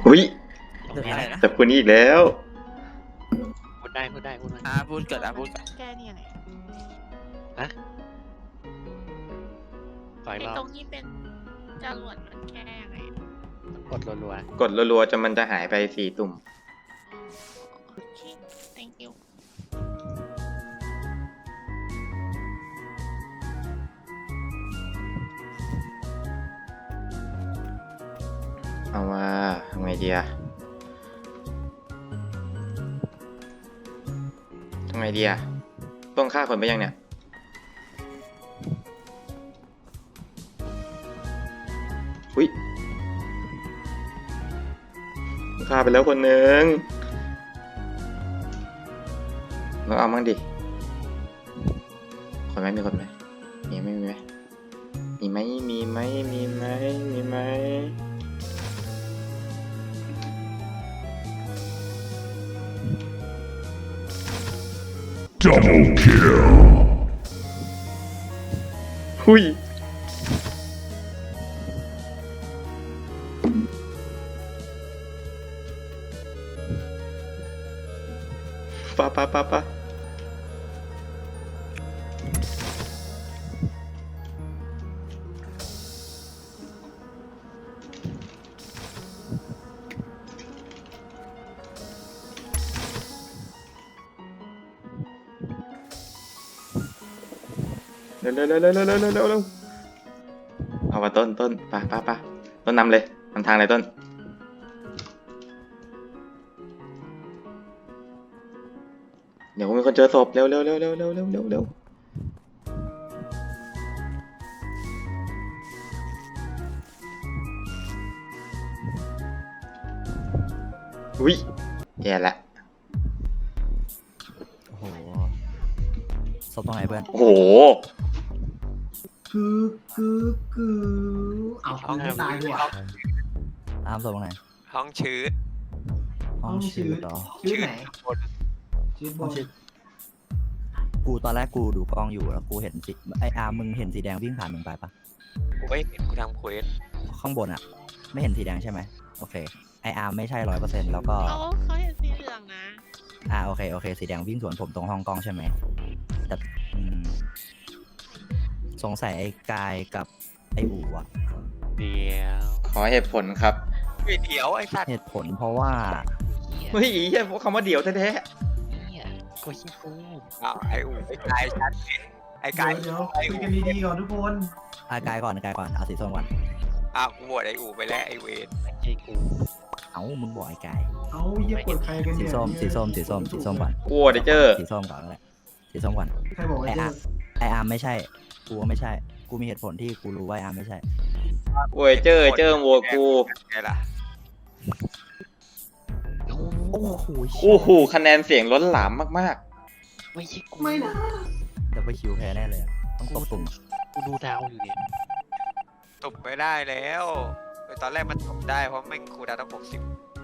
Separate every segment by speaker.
Speaker 1: อุ้ย
Speaker 2: เรื่องอะไรนะ
Speaker 1: จับคนนี้อีกแล้ว
Speaker 3: พูดได้พูดได้พูดได้
Speaker 2: พูดเกิดพูด
Speaker 4: แก้นี่ยังไง
Speaker 3: ขออีก
Speaker 4: ไอ้
Speaker 3: รอบ
Speaker 4: ตรงที่เป็นจรวดมันแก้ยังไง
Speaker 3: กดรัว
Speaker 1: กดรัวๆจนมันจะหายไป4 ตุ่ม
Speaker 4: โอเค thank you
Speaker 1: เอาว่าทำไงดีอะทำไงดีอะต้องฆ่าคนไปยังเนี่ยอุ้ยฆ่าไปแล้วคนหนึ่งเราเอามั่งดิคนไหมมีคนไหมมีไหมมีไหมมีไหมมีไหมมีไหมมีไหม
Speaker 5: Double kill.
Speaker 1: หุยปะเร็วเอาว่าต้นปะต้นนำเลยนำทางเลยต้นเดี๋ยวมีคนเจอศพเร็วอุ้ยแย่ละ
Speaker 2: โอ้โหศพตรงไหนเพื่อน
Speaker 1: โอ้โห
Speaker 6: คือเอาคุณไม่ตายดีกว่า
Speaker 2: ตามศพตรงไหน
Speaker 7: ห้องชื้อ
Speaker 2: ห้องชื่อต่อ
Speaker 6: ชื่อไหน
Speaker 7: บน
Speaker 6: ชื่อบ
Speaker 2: ห้อน งชื่อกูตอนแรกกูดูกล้องอยู่แล้วกูเห็นสีไออาร์มึงเห็นสีแดงวิ่งผ่านมึงไปปะ
Speaker 7: กูไม่เห็นกูทำเควส
Speaker 2: ข้างบนอะไม่เห็นสีแดงใช่ไหมโอเคไออาร์ไม่ใช่100%แล้วก็
Speaker 4: เขาเห็นสีเหลืองนะ
Speaker 2: โอเคสีแดงวิ่งสวนผมตรงห้องกล้องใช่ไหมแต่สงสัยไอ้กายกับไอ้อู๋อะ
Speaker 3: ๆเดี๋ยว
Speaker 1: ขอเหตุผลครับ
Speaker 7: เฮ้ยเดี๋ยวไอ้สัตว์
Speaker 2: เหตุผลเพราะว่า
Speaker 1: เฮ้ยแค่พวกคำว่าเดี๋ยวแท้
Speaker 3: เนี่ยกูชิกู
Speaker 7: อ้าวไอ้อู๋ไอ้กายชัดเจนไอ้กาย
Speaker 6: เดี๋ยวคุยกันดีๆก่อนทุกคน
Speaker 2: กายก่อนเอาสีส้มก่อน
Speaker 7: อ้าวกูโหวตไอ้อู๋ไปแล้วไอ้เวร
Speaker 3: ไม่ใช่กู
Speaker 2: เอ้ามึงบอกไอ้กาย
Speaker 6: เอาเยี่ยกดใครกัน
Speaker 2: สี
Speaker 6: เนี่ย
Speaker 2: ส้มก่อน
Speaker 1: ๆกลัวเดเจอร์
Speaker 2: สีส้มก่อนเลยสีส้มก่อน
Speaker 6: ใครบอกว่า
Speaker 2: ไอ
Speaker 6: เจ
Speaker 2: อา
Speaker 6: อ
Speaker 2: ร์ไออาร์ไม่ใช่กูว่าไม่ใช่กูมีเหตุผลที่กูรู้ว่าไออาร์ไม่ใช่
Speaker 1: โอ้ยเจอโหวตกู
Speaker 7: ไงล่ะ
Speaker 2: โอ้โห
Speaker 1: โอ้โหคะแนนเสียงล้นหลามมาก
Speaker 3: ไม่ใช่กู
Speaker 6: ไม่นะ
Speaker 2: ดับเบิลคิวแพ้แน่เลยอะต้องตบตุ่ม
Speaker 3: กูดูดาวอยู่เนี่ย
Speaker 7: ตบไม่ได้แล้วตอนแรกมันตบได้เพราะแม่งครูดาวต้อง60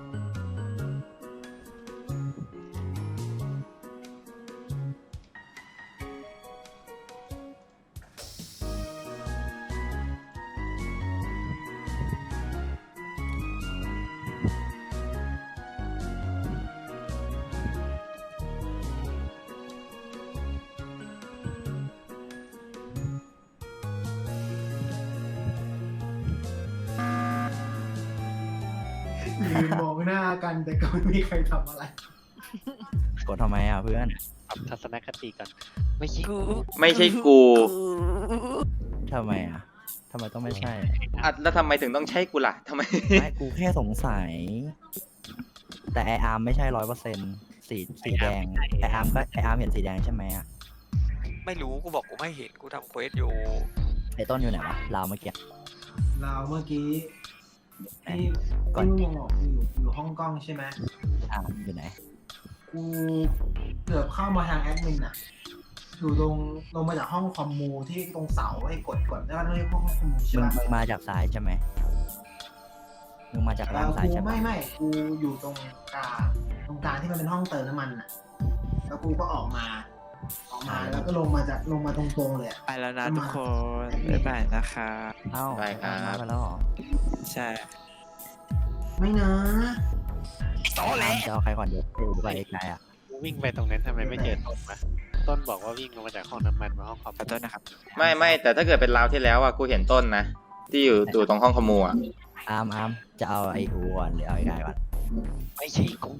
Speaker 6: ยืนมองหน้ากันแต่ก็ไม่มีใครทำอะไร
Speaker 2: กดทำไมอ่ะเพื่อน
Speaker 3: ปรับทัศนคติก่อนไม่ใช่กู
Speaker 1: ๆ ไม่ใช่กู
Speaker 2: ทำไมอ่ะทำไมต้องไม่ใช่
Speaker 1: อ่ะแล้วทำไมถึงต้องใช่กูล่ะทำไม
Speaker 2: ไม่กูแค่สงสัย แต่ไออาร์ไม่ใช่100%สีแดงไออาร์เห็นสีแดงใช่ไหมอ่ะ
Speaker 7: ไม่รู้กูบอกกูไม่เห็นกูทำเควสอยู่
Speaker 2: ไอต้นอยู่ไหนวะลาวเมื่อกี้
Speaker 6: เราเมื่อกี้ที่
Speaker 2: ก่อน
Speaker 6: ที่มึงบอกอยู่ห้องกล้องใช่ไหม
Speaker 2: อยู่ไหน
Speaker 6: กูเกือบเข้ามาทางแอดมินอะอยู่ตรงลงมาจากห้องคอมมูที่ตรงเสาให้กดได้ว่าต้องเรียกห้องคอมมูใช่
Speaker 2: มึง
Speaker 6: ไหม
Speaker 2: มาจากซ้ายใช่ไหมมึงมาจากด้านซ้าย
Speaker 6: กู
Speaker 2: ใช่ปะ
Speaker 6: ไม่กูอยู่ตรงกลางที่มันเป็นห้องเติมน้ำมันอะแล้วกูก็ออกมาแล้วก็ลงมาตรงๆเลยอะ
Speaker 8: ไปแล้วนะทุกคนบ๊ายบายนะคะ
Speaker 2: เอ้า
Speaker 1: ได้ครับ
Speaker 2: มาไปแล้วเหรอ
Speaker 8: ใช่
Speaker 6: ไม่นะ
Speaker 2: ตอแหลจะเอาใครก่อนเดี๋ยวอูไปไกลอ่ะ
Speaker 3: กูวิ่งไปตรงนั้นทำไมไม่เจอต้นวะต้นบอกว่าวิ่งลงมาจากห้องน้ำมันมาห้องคอม
Speaker 5: ขอโทษนะครับ
Speaker 1: ไม่แต่ถ้าเกิดเป็นราวที่แล้วอ่ะกูเห็นต้นนะที่อยู่ตรงห้องขโมยอ่ะ
Speaker 2: อาร์มจะเอาไอ้อูก่อนหรือเอาไอ้ไกลก่อน
Speaker 3: ไม่ใช่กู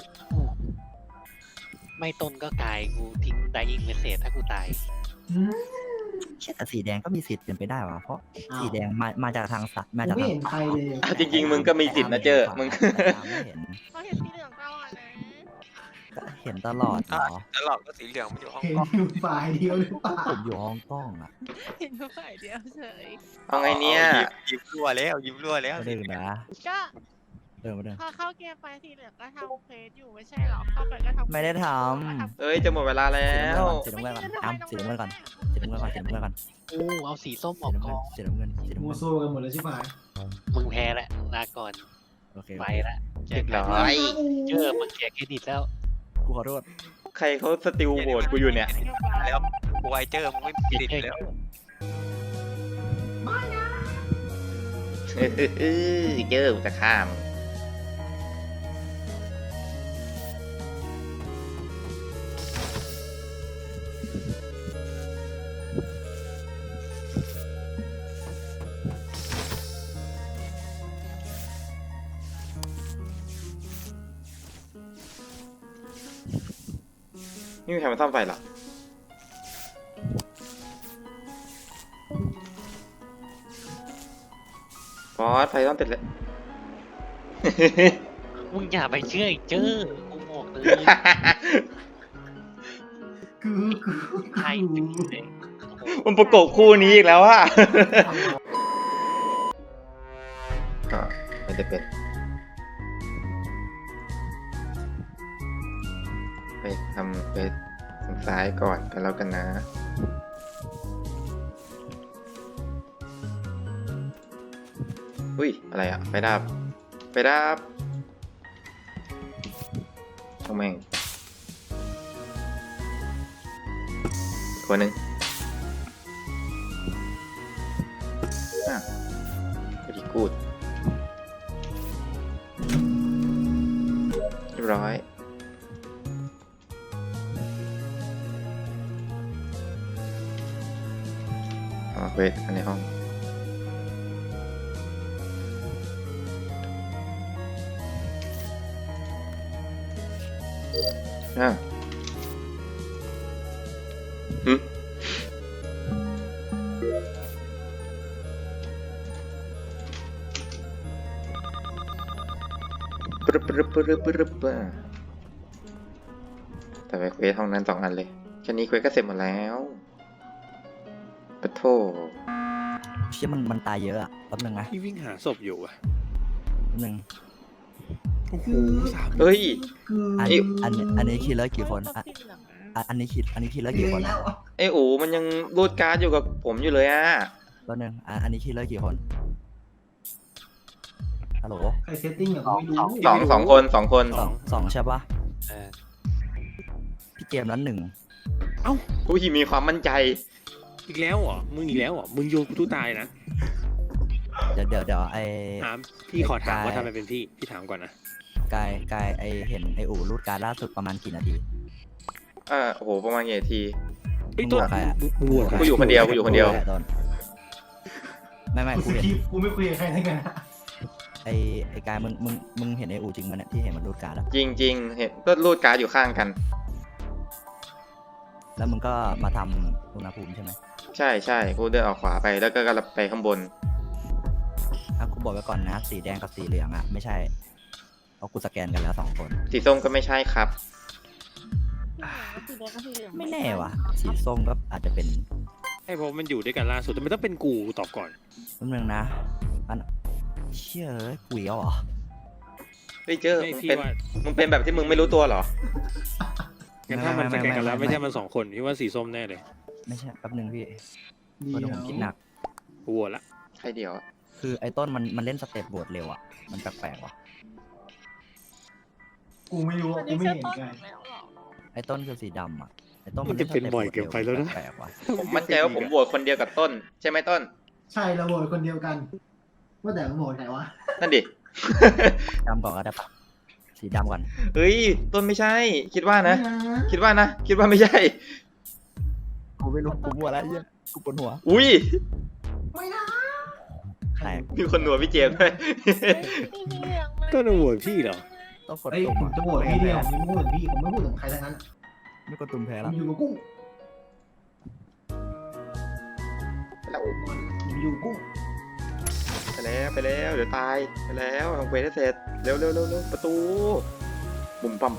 Speaker 3: ไม่ต้นก็กายกูทิ้งไดอิงเมสเซจถ้ากูตาย
Speaker 6: อืม
Speaker 2: เชี่ยแต่สีแดงก็มีสิทธิ์เป็นไปได้ว่ะเพราะ
Speaker 6: อ้าว
Speaker 2: สีแดงมาจากทางสัตว์มา
Speaker 6: กู
Speaker 2: จาก
Speaker 6: ไม่
Speaker 2: ทาง
Speaker 6: เห็นใครเลย
Speaker 1: อ่ะจริงๆมึงก็มีสิทธิ์นะเจอมึง
Speaker 2: แต่อาร์มไม่เห็น
Speaker 4: เขาเห็นสีเหลืองตลอดนะ
Speaker 2: ก็เห็นตลอดเหรอ
Speaker 7: ตลอดก็สีเหลืองมันอยู่ห้อง
Speaker 6: เห็น
Speaker 7: กล้อง
Speaker 6: อยู่ฝ่ายเดียวหรือเปล่า
Speaker 2: ผมอยู่ห้องกล้องอ่ะ
Speaker 4: เห็นฝ่ายเดียวเฉย
Speaker 1: เอาไงเนี่ย
Speaker 7: ยิ้มรั่วแล้วยิ้มรั่วแล้ว
Speaker 2: ไม่ได้นะ
Speaker 4: ก็
Speaker 2: ไม่ได้
Speaker 4: พอเข้าเกมไปสีเหลืองก็ทำเควสอยู่ไม่ใช่หรอเข้าไปก็ทำ
Speaker 2: ไม่ได้ท
Speaker 1: เอ้ยจะหมดเวลาแล้ว
Speaker 2: สีน้ำเงินก่อนอาร์มสีน้ำเงินก่อนสีน้ำเงินก่อนสีน้ำเงินก่อน
Speaker 3: กูเอาสีส้มอ
Speaker 2: สี
Speaker 3: อก
Speaker 2: น้ำ
Speaker 3: ก
Speaker 2: เงิ
Speaker 3: อน ง
Speaker 2: สีน้ำเงินสีน้ำ
Speaker 6: มั
Speaker 2: เงิ
Speaker 6: วน โซ่กันหมดเลยใช่ไหม
Speaker 3: มึงแพ้แล้วลาก่อน
Speaker 2: โอเค
Speaker 3: ไปละเจ
Speaker 1: เรี
Speaker 3: อย
Speaker 1: บ
Speaker 3: กั
Speaker 1: ร้
Speaker 3: น
Speaker 1: อย
Speaker 3: เจอมึงเสียเครดิตแล้ว
Speaker 2: กูขอโทษ
Speaker 1: ใครเขาสติลโหวตกูอยู่เนี่ย
Speaker 7: แล้วกูไอเจอมึงไม่ติดแล้ว
Speaker 1: เจอกูจะฆ่ามึง ไม่มีใครมาซ่อมไฟหรอฟอสไฟซ่อมเสร็จแล้ว
Speaker 3: มึงอย่าไปเชื่อไอ้เจอกูบอกเลย
Speaker 6: คือ
Speaker 3: ใครเป็นเลย
Speaker 1: มันประกบคู่นี้อีกแล้วอะก็ไม่ได้เป็นไปทำไปทางซ้ายก่อนกันแล้วกันนะ อุ้ย อะไรอะไฟดับไฟดับช่างแม่งอีกคนหนึ่งvery good เรียบร้อยเอามาเควสกันในห้องหึปรึบปรึบปรึบปรึบแต่ไปเควสห้องนั้น2 อันเลยแค่นี้เควสก็เสร็จหมดแล้วปะโถ
Speaker 2: เชี่ยมันตายเยอะอ่ะแป๊บนึงนะ
Speaker 5: พี่วิ่งหาศพอยู่อ่ะ
Speaker 2: แป๊บนึง
Speaker 5: โอ้โหสาม
Speaker 1: เฮ้ย
Speaker 6: คือ
Speaker 2: อันนี้คิดแล้วกี่คน
Speaker 4: เขา
Speaker 2: อ่ะ
Speaker 4: สีเหลืองนะ
Speaker 2: อันนี้คิดแล้ว
Speaker 6: เย
Speaker 2: กี่ค
Speaker 6: อะ
Speaker 2: น
Speaker 6: แล้ว
Speaker 1: ไอ้อูมันยังรูดการ์ดอยู่กับผมอยู่เลยอะ
Speaker 2: แป๊บนึงอันนี้คิดแล้วกี่คนฮัลโหล
Speaker 6: ใครเซตติ้งอย่างไม่รู้
Speaker 1: สองคน
Speaker 2: สองใช่ปะ
Speaker 3: เออ
Speaker 2: พี่เกมนั้น1
Speaker 1: ผู้ที่มีความมั่นใจ
Speaker 5: อีกแล้วเหรอ มึงอีกแล้วเหรอ มึงโยนกูตู้ตายนะ
Speaker 2: เดี๋ยวไอ้
Speaker 5: ถามพี่ขอถามว่า
Speaker 2: ไอ้กาย
Speaker 5: ทำไมเป็นพี่ถามก่อนนะ
Speaker 2: กายไอเห็นไออู่รูดการดล่าสุดประมาณกี่นาที
Speaker 1: โอ้โห ประมาณกี่นาที
Speaker 5: ไอ้ยตัว
Speaker 2: มึงบอกใครอะ
Speaker 5: มึงโหวตใคร
Speaker 1: กูอยู่คนเดียวกูอยู่คนเดียว
Speaker 2: แหละต้นไม่
Speaker 6: กู
Speaker 2: กู
Speaker 6: ส
Speaker 2: เห็น
Speaker 6: กิปกูไม่คุยกับใครทั้งนั้นอะ
Speaker 2: ไอกายมึงเห็นไออู่จริงมันเนี่ยที่เห็นมันรูดการดอะ
Speaker 1: จริงๆ เห็นก็รูดการ์ดอยู่ข้างกัน
Speaker 2: แล้วมึงก็มาทำอุณหภูมิใช่ไหม
Speaker 1: ใช่กูเดินออกขวาไปแล้วก็กำลังไปข้างบน
Speaker 2: อ่ะกูบอกไว้ก่อนนะสีแดงกับสีเหลืองอ่ะไม่ใช่เพราะกูสแกนกันแล้ว2 คน
Speaker 1: สีส้มก็ไม่ใช่ครับ
Speaker 4: สีเหลืองก็สีแดงก็สีเหลือง
Speaker 2: ไม่แน่ว่ะสีส้มก็อาจจะเป็น
Speaker 5: ไอ้เพราะมันอยู่ด้วยกันล่าสุดแต่มันต้องเป็นกูตอบก่อน
Speaker 2: นิดนึงนะอันเชื่อกุยเอาเหรอ
Speaker 1: เฮ้ยเจอ
Speaker 5: ไม่
Speaker 1: มึง
Speaker 5: พี่
Speaker 1: เป็น
Speaker 5: ว่า
Speaker 1: มึงเป็นแบบที่มึงไม่รู้ตัวเหรอ
Speaker 5: งั้นถ้ามันสแกนกันแล้วไม่ใช่มัน2 คนพี่ว่าสีส้มแน่เลย
Speaker 2: ไม่ใช่แป๊บนึงพี่
Speaker 6: เดี๋
Speaker 2: เพราะ
Speaker 6: ยว
Speaker 2: ผมคิดหนัก
Speaker 5: กูโหวตละ
Speaker 1: ใครเดียวอะ
Speaker 2: คือไอ้ต้นมันเล่นสเต็ปโหวตเร็วอ่ะมันแปลกๆว่ะ
Speaker 6: กูไม่รู้
Speaker 4: อั
Speaker 6: อะ
Speaker 4: น
Speaker 6: กู
Speaker 4: นี้
Speaker 6: ไม่
Speaker 4: เสื้อ
Speaker 6: เห็น
Speaker 4: ต้น
Speaker 6: ไง
Speaker 4: อีกแล้วเหรอ
Speaker 2: ไอ้ต้นคือสีดำอ่ะไอ้ต้น
Speaker 5: มันจะเป็นบ่อยเกินไปแล้วนะ
Speaker 2: แปลกๆว่ะ
Speaker 1: ผมมั่นใจว่าผมโหวตคนเดียวกับต้น ใช่ไหมต้น
Speaker 6: ใช่เราโหวตคนเดียวกัน ว่าแต่มึงโหวตใครวะ
Speaker 1: นั่นดิ
Speaker 2: ดำก่อนก็ได้ปะสีดำก่อน
Speaker 1: เฮ้ยต้นไม่ใช่ คิดว่านะ คิดว่านะ คิดว่าไม่ใช่
Speaker 2: กูไม่รู้กูบัวอะไรเหี้ยกูปวดหัว
Speaker 1: อุ้ย
Speaker 6: ไม่นะ
Speaker 2: ใคร
Speaker 1: มีคนหนัวพี่เจมส์ด้วย
Speaker 4: พี่เหลืองเลย
Speaker 5: ต้นโหวตพี่เหรอ
Speaker 2: ต้องกด
Speaker 6: เอ้ย
Speaker 2: ตุ่ม
Speaker 6: ผมจะโหวตพี่เดียวผมไม่พูดถึงพี่ผมไม่พูดถึงใครทั้งนั้น
Speaker 2: ไม่กดตุ่มแพ้
Speaker 6: ผ
Speaker 2: แล้ว
Speaker 6: มอยู่กับกุ้งผมอยู่กับกุ้ง
Speaker 1: ไปแล้วเดี๋ยวตายไปแล้วทำเควสให้เสร็จเร็วประตูปุ่มปั๊ม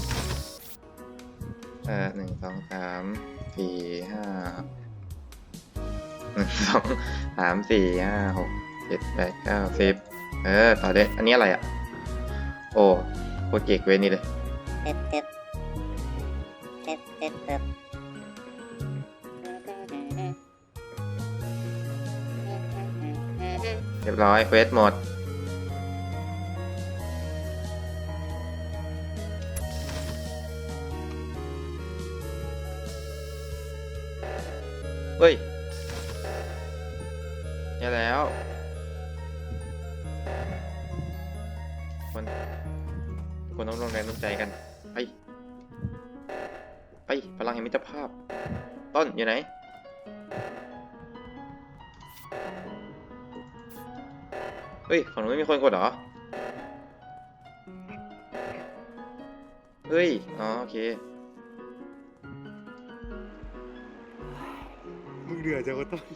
Speaker 1: 1 2 3 4 5 1 2 3 4 5 6 7 8 9 10ต่อเลยอันนี้อะไรอ่ะโอ้โคตรเก่งเวรนี้เลยเรียบร้อยเควสหมดเฮ้ยแย่แล้วคนต้องลงแรงน้ำใจกันไปพลังแห่งมิตรภาพต้นอยู่ไหนเฮ้ยฝั่งนู้นไม่มีคนกดเหรอเฮ้ยอ๋อโอเค
Speaker 5: มึงเดือดจังวะต้น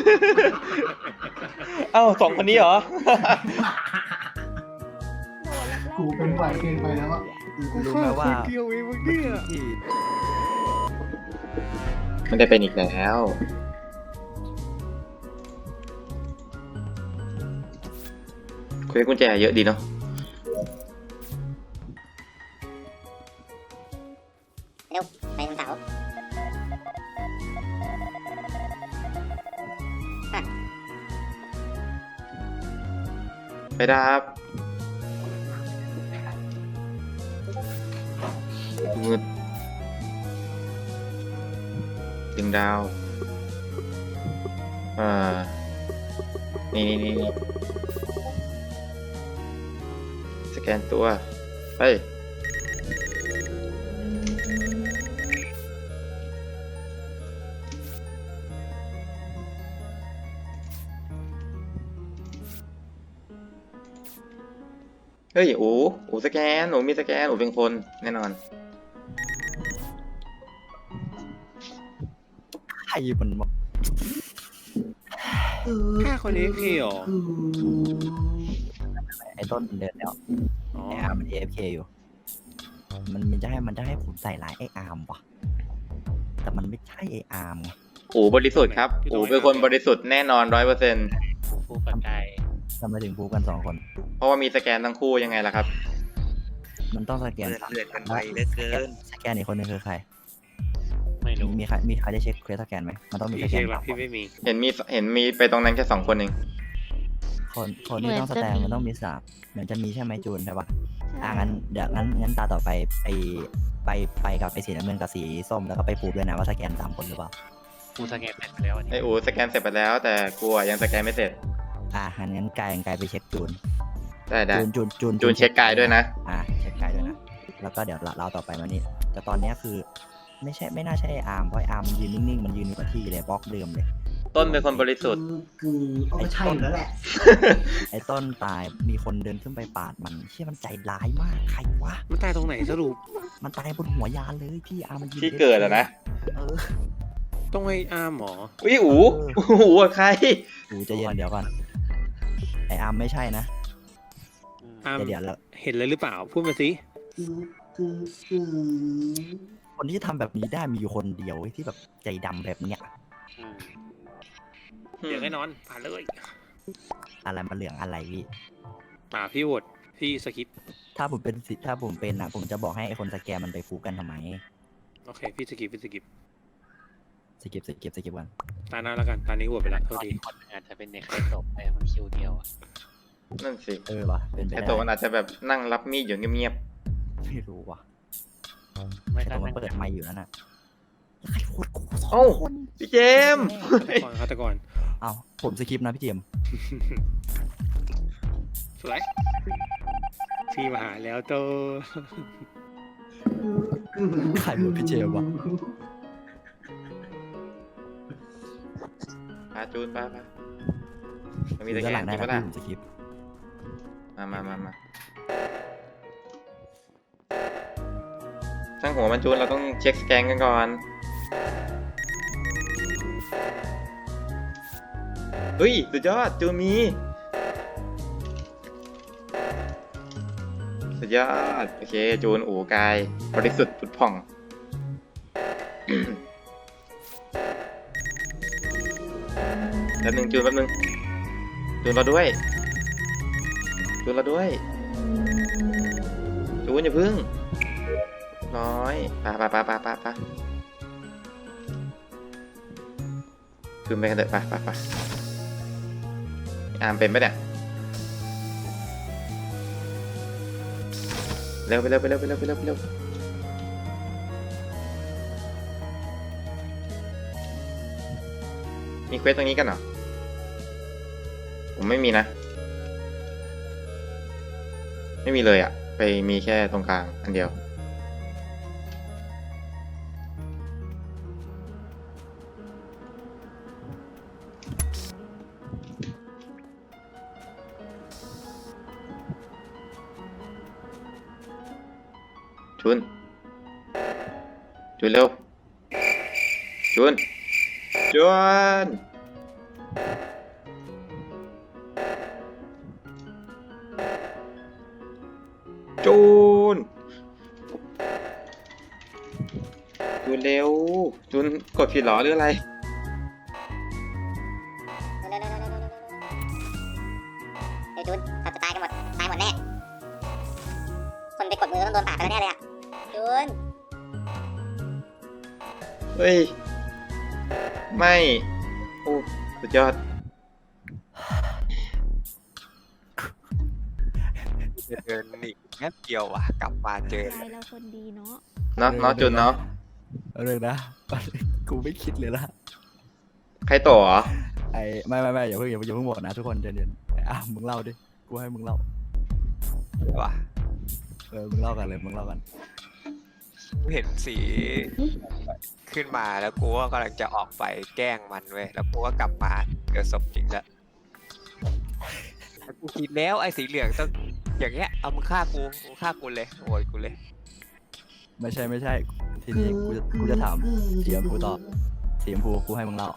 Speaker 1: เอ้า2 คนนี้เหรอ
Speaker 6: กูเป็นไวเกินไปแล้วอะ
Speaker 2: รู้ไหมว่า
Speaker 5: เดียวเองมึงเนี่ย
Speaker 2: ที่
Speaker 1: ไม่ได้เป็นอีกแล้วคุยกุญแจเยอะดีเนาะ
Speaker 8: ไปทางเสา
Speaker 1: ไปดับมืดดึงดาวนี่สแกนตัวไปเฮ้ยโอ้สแกนมีสแกนเป็นคนแน่นอน
Speaker 2: ใครมันบอก
Speaker 5: ฆ่าคนนี้พี่เหรอ
Speaker 2: ไอ้ต้นเดินแล้ว
Speaker 5: อ๋อ
Speaker 2: ไอ้อาร์มมัน AFK อยู่ มันจะให้ผมใส่ร้ายไอ้อาร์มวะแต่มันไม่ใช่ไอ้อาร์มไง
Speaker 1: บริสุทธิ์ครับเป็นคนบริสุทธิ์แน่นอน100%
Speaker 3: ฟูปัจจัย
Speaker 2: ทำไมถึงพูดกัน2 คน
Speaker 1: เพราะว่ามีสแกนทั้งคู่ยังไงล่ะครับ
Speaker 2: มันต้องสแกน
Speaker 7: เลือดกันไปเหลือเกิน
Speaker 2: สแกนอีกคนนึงคือใคร
Speaker 3: ไม่รู้
Speaker 2: มีใครได้เช็คเควสสแกนไหมมันต้องมีส
Speaker 5: พี่
Speaker 2: แก
Speaker 5: เช็
Speaker 2: น
Speaker 5: คแล้ว
Speaker 2: ก่อน
Speaker 5: พี่ไม่มี
Speaker 1: เห็นมีไปตรงนั้นแค่2 คนเอง
Speaker 2: คนที่ต้องสแกนมันต้องมี3เหมือนจะมีใช่ไหมจูนใช่ปะงั้นเดี๋ยวงั้นตาต่อไปไปกับไอ้สีน้ำเงินกับสีส้มแล้วก็ไปพูดด้วยนะว่าสแกน3 คนหรือเปล่า
Speaker 3: ฟูสแกนเสร็จไปแล้วอันนี้
Speaker 1: ไอ้สแกนเสร็จไปแล้ว แต่กูยังสแกนไม่เสร็จ
Speaker 2: งั้นกายไปเช็คจูน
Speaker 1: ได้
Speaker 2: จูน
Speaker 1: เช็คกายด้วยนะ
Speaker 2: เช็คกายด้วยนะแล้วก็เดี๋ยวเราต่อไปมานี่แต่ตอนเนี้ยคือไม่น่าใช่ไอ้อาร์มเพราะไอ้อาร์มมันยืนนิ่งๆมันยืนอยู่กับที่เลยบล็อกเดิมเลย
Speaker 1: ต้นเป็นคนบริสุทธิ์
Speaker 6: คือก็ใช่อยู่แล้วแหละ
Speaker 2: ไอ้ต้นตายมีคนเดินขึ้นไปปาดมันเชี่ยมันใจร้ายมากใครวะ
Speaker 5: มันตายตรงไหนสรุป
Speaker 2: มันตายบนหัวยานเลยพี่อาร์มมันยืน
Speaker 1: ที่เกิดอะนะ
Speaker 5: ต้องไอ้อาร์มหมอ
Speaker 1: อุ้ยกับใคร
Speaker 2: จะเย็นเดี๋ยวก่อนไอ้อาร์มไม่ใช่นะ
Speaker 5: อาร์ม
Speaker 2: เดี๋ยว
Speaker 5: เห็นเลยหรือเปล่า พูดมาสิ
Speaker 6: คือ
Speaker 2: คนที่ทำแบบนี้ได้มีอยู่คนเดียวที่แบบใจดำแบบเนี้ย
Speaker 3: อืม
Speaker 5: เดี๋ยวให้นอนผ่านเลย
Speaker 2: อะไรมาเหลืองอะไรพี่
Speaker 5: พี่โหวตพี่สคิป
Speaker 2: ถ้าผมเป็นอ่ะผมจะบอกให้ไอ้คนสแกนมันไปฟูกันทำไม
Speaker 5: โอเคพี่สกิป
Speaker 2: สกิปกัน
Speaker 5: ตาหน้าแล้วกันตานี้โหวตไปแล้วโทษที
Speaker 3: คนหนึ่งอาจจะเป็นเด็กไร้ศพไปมันคิวเดียวอะ
Speaker 1: นั่นสิ
Speaker 2: ว่ะเป็นไป
Speaker 1: ไอ้
Speaker 2: ได้
Speaker 1: ตัวมันอาจจะแบบนั่งรับมีดอยู่เงียบ
Speaker 2: ไม่รู้ว่ะ
Speaker 3: ไม่
Speaker 2: ไอ้
Speaker 3: ใช่
Speaker 2: ตัวมัน
Speaker 3: นั่ง
Speaker 2: เปิดไมค์อยู่นั่นน่ะใครโคตรกูสอง
Speaker 1: เอ้า
Speaker 2: คน
Speaker 1: ๆพี่เจมส์
Speaker 5: ฆาตกร
Speaker 2: เอ้าผมสกิปนะพี่เจมส์
Speaker 5: สวยพี่มาหาแล้วโต
Speaker 2: ใครเป็นพี่เจมส์วะ
Speaker 1: จูนไปมันมี
Speaker 2: ดู
Speaker 1: แต่
Speaker 2: ด้าน
Speaker 1: แก
Speaker 2: หลั
Speaker 1: น
Speaker 2: งได้
Speaker 1: จริงปะล่ะ
Speaker 2: นะพี่ผมสคริปต์
Speaker 1: มาช่างหัวมันจูนเราต้องเช็คสแกนกันก่อนเฮ้ยสุดยอดจูนมีสุดยอดโอเคจูนอู่กายบริสุทธิ์ผุดผ่อง แป๊บนึงจูนจูนเราด้วยจูนอย่าพึ่งน้อยไปจูนไปกันเถอะไปอามเป็นปะเนี่ยเร็วไปเร็วมีเควสตรงนี้กันเหรอผมไม่มีนะไม่มีเลยอะไปมีแค่ตรงกลางอันเดียวจูนเร็วจูนเร็วจูนกดผิดเหรอหรืออะไร
Speaker 8: เฮ้ยจูนสัตว์จะตายกันหมด ตายหมดแน่ คนไปกดมือต้องโดนปาดไปแล้วแน่เลยอ่ะจูน
Speaker 1: เฮ้ยไม่โอ้สุดยอด
Speaker 7: เดินหนีแป๊บเดียวว่ะกลับมาเจอ
Speaker 4: ใจเราคนดีเนาะ
Speaker 1: เนาะจูนเนาะ
Speaker 2: เอาเลยนะ กูไม่คิดเลยละ
Speaker 1: ใครต่อเหรอ
Speaker 2: ไอ้ไม่อย่าเพิ่งหมดนะทุกคนเดี๋ยวมึงเล่าดิกูให้มึงเล่า
Speaker 7: ว่ะ
Speaker 2: มึงเล่ากันเลยมึงเล่ากัน
Speaker 7: กูเห็นสีขึ้นมาแล้วกูก็กำลังจะออกไปแกล้งมันเว้ยแล้วกูก็กลับมาเกิดศพจริงแล้วกูคิดแล้วไอ้สีเหลืองต้องอย่างเงี้ยเอามึงฆ่ากูเลยโวยกูเลย
Speaker 2: ไม่ใช่ทีนี้กูจะถามสีชมพูต่อสีชมพูกูให้มึงเล่า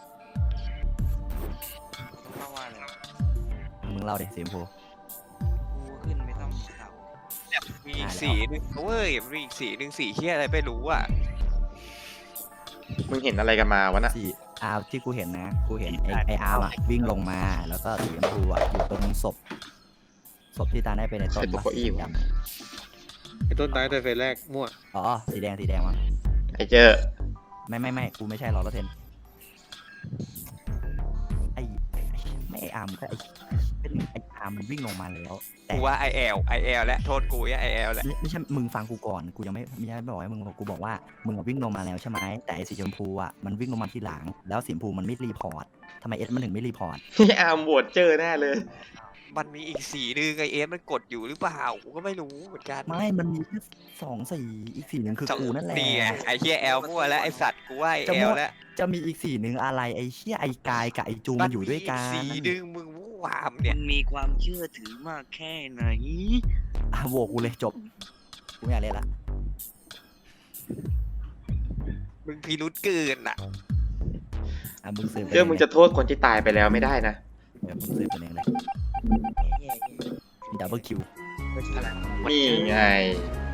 Speaker 2: มึงเล่าดิสีชมพู
Speaker 9: ขึ้นไม่ต้องเสา
Speaker 7: มีอีกสีหนึงเว้ยมีอีกสีหนึงสีเฮียอะไรไม่รู้อ่ะ
Speaker 1: มึงเห็นอะไรกันมาวะน่ะ
Speaker 2: สีอาร์ที่กูเห็นนะกูเห็นไออาร์มอะวิ่งลงมาแล้วก็สีชมพูอะอยู่ตรงศพที่ตาได้ไปในต้น
Speaker 1: ไอ้ตัวเก้าอี้
Speaker 2: สี
Speaker 1: วะ
Speaker 2: ดำ
Speaker 5: ไอ้ต้นตายแต่เฟสแรกมั่ว
Speaker 2: อ๋อสีแดงมั้ง
Speaker 1: ไอ้เจอ
Speaker 2: ไม่กูไม่ใช่100%ไอ้ไม่ไออาร์มก็ไออาร์มมันวิ่งลงมาแล้วแต่
Speaker 7: กูว่าไอแอลและโทษกูไอแอลและ
Speaker 2: ไม่ใช่มึงฟังกูก่อนกูยังไม่ใช่บอกให้มึงกูบอกว่ามึงวิ่งลงมาแล้วใช่ไหมแต่ไอสีชมพูอ่ะมันวิ่งลงมาทีหลังแล้วสีชมพูมันไม่รีพอร์ตทำไมเอสมันถึงไม่รีพอร์ต
Speaker 1: อาร์มโหวตเจอแน่เลย
Speaker 7: มันมีอีกสีหนึงไอเอสมันกดอยู่หรือเปล่ากูก็ไม่รู้เหมือนกัน
Speaker 2: ไม่มันมีแค่2 สีอีกสีหนึ่งคือกูนั่นแหละ
Speaker 7: นี่ไงไอเฮียแอลมั่วแล้วไอสัตว์กูว่าไอ
Speaker 2: จะ
Speaker 7: แอ
Speaker 2: มั่
Speaker 7: ล
Speaker 2: ว
Speaker 7: แล้ว
Speaker 2: จะมีอีกสีหนึ่งอะไรไอเชี่ยไอกายกับไอจูมันอยู่ด้วยกัน
Speaker 7: สีหนึงมึงวู่วามเนี่ย
Speaker 9: มันมีความเชื่อถือมากแค่ไหน
Speaker 2: โหวตกูเลยจบกูไม่อยากเล่นละ
Speaker 7: มึงพิรุษเกินอ่ะ
Speaker 2: มึงสืบ
Speaker 1: เจอมึงจะโทษคนที่ตายไปแล้วไม่ได้นะ
Speaker 2: เดี๋ยวมึงสืบกันเองเลย
Speaker 9: แย่
Speaker 2: มีดับเบิลคิว
Speaker 1: นี่ไง